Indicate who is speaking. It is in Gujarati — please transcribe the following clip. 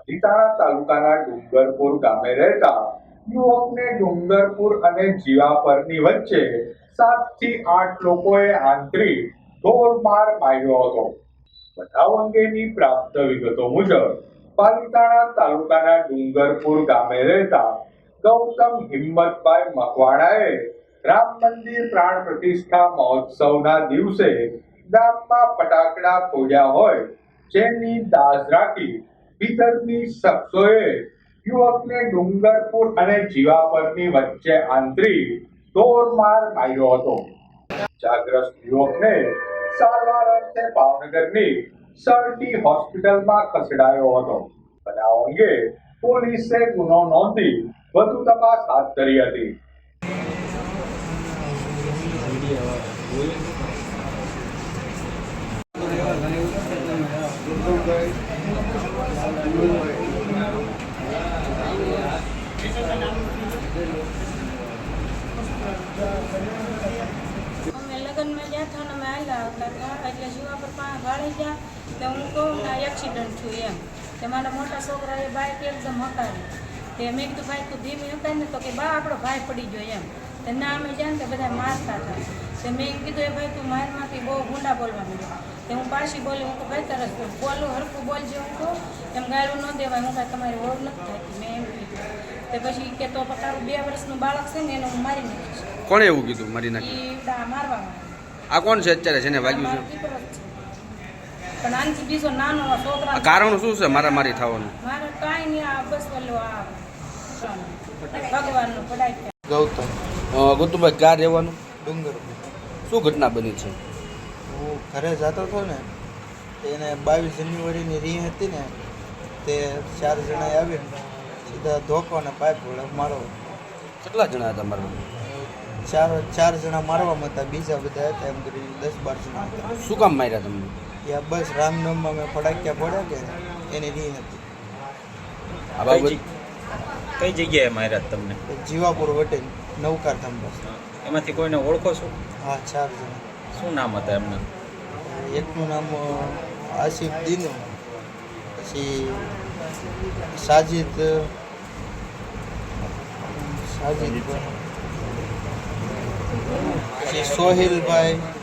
Speaker 1: પાલીતાણા તાલુકાના ડુંગરપુર ગામે રહેતા યુવકને ડુંગરપુર અને જીવાપરની વચ્ચે 7 થી 8 લોકોએ આંતરી ઢોરમાર માર્યો હતો। બનાવ અંગેની પ્રાપ્ત વિગતો મુજબ પાલીતાણા તાલુકાના ડુંગરપુર ગામે રહેતા ગૌતમ હિંમતભાઈ મકવાણાએ રામ મંદિર પ્રાણ પ્રતિષ્ઠા મહોત્સવના દિવસે ગામમાં ફટાકડા ફોડ્યા હોય જેની દાઝ રાખી વિતરની શખ્સોએ યુવકને ડુંગરપુર અને જીવાપરની વચ્ચે આંતરી ઢોરમાર માર્યો હતો। ઇજાગ્રસ્ત યુવકને સારવાર અર્થે ભાવનગરની સરટી હોસ્પિટલમાં ખસેડાયો હતો। બનાવ અંગે પોલીસે ગુનો નોંધી વધુ તપાસ હાથ ધરી હતી।
Speaker 2: અમે લગ્નમાં ગયા હતા ને અમે આવેલા હતા એટલે જીવા પર વાળી ગયા તો હું કહું ને એક્સિડન્ટ થયું એમ તે મારા મોટા છોકરાએ બાઇક એકદમ હકારી તે મેં કીધું ભાઈ તું ધીમી હકાય ને તો કે બા આપણો ભાઈ પડી ગયો એમ તે ના અમે જાય ને તે બધા મારતા હતા તે મેં કીધું એ ભાઈ તું મારમાંથી બહુ ગુંડા બોલવા માંડ્યો તે હું પાછી બોલી હું ભાઈ તરસ બોલું હરખું બોલજે હું કહું એમ ગાયરું ન દેવાય હું કાંઈ તમારી ઓળ નથી થતી મેં એમ કીધું તે પછી કે તો તારું 2 વર્ષનું બાળક છે ને એને હું મારી નાખીશ।
Speaker 3: કોણે એવું કીધું મારી નાખી?
Speaker 2: મારવામાં
Speaker 3: આ કોણ છે અત્યારે જેને વાગ્યું છે?
Speaker 2: પણ આનથી બીજો નાનો છોકરા
Speaker 3: કારણ શું છે મારામારી થવાનું?
Speaker 2: મારે કાંઈ નહીં આ બસ બોલો આ ભગવાનનું પડાય છે।
Speaker 3: ગૌતમભાઈ ક્યાં રહેવાનું?
Speaker 4: ડુંગરપુર।
Speaker 3: શું ઘટના બની છે?
Speaker 4: હું ઘરે જતો હતો ને એને 22 જાન્યુઆરીની રી હતી ને તે 4 જણાએ આવીને સીધા ધોકો અને પાઇપ વડે મારો।
Speaker 3: કેટલા જણા હતા મારવા?
Speaker 4: 4 જણા મારવામાં હતા, બીજા બધા હતા એમ કરી 10-12 જણા હતા।
Speaker 3: શું કામ માર્યા તમને?
Speaker 4: ત્યાં બસ રામનવમીમાં મેં ફટાક્યા ફોડ્યા કે એની રી હતી।
Speaker 3: આ બાબત
Speaker 5: કઈ જગ્યાએ માર્યા તમને?
Speaker 4: જીવાપુર વટે નવકાર થંભા।
Speaker 5: એમાંથી કોઈને ઓળખો છો?
Speaker 4: હા, 4 જણા।
Speaker 5: શું નામ હતા એમના?
Speaker 4: એકનું નામ આસિફ દીનુ, પછી સાજિદ પછી સોહિલભાઈ,